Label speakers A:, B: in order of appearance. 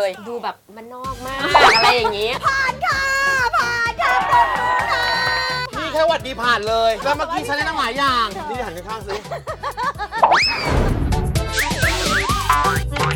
A: ดูแบบมันนอกมากอะไรอย่างนี้
B: ผ่านค่ะปรบมือค่ะ
C: นี่แค่หวัดดีผ่านเลย แล้วเมื่อกี้ฉันได้ตั้งหลายอย่าง นี่หันข้างๆสิ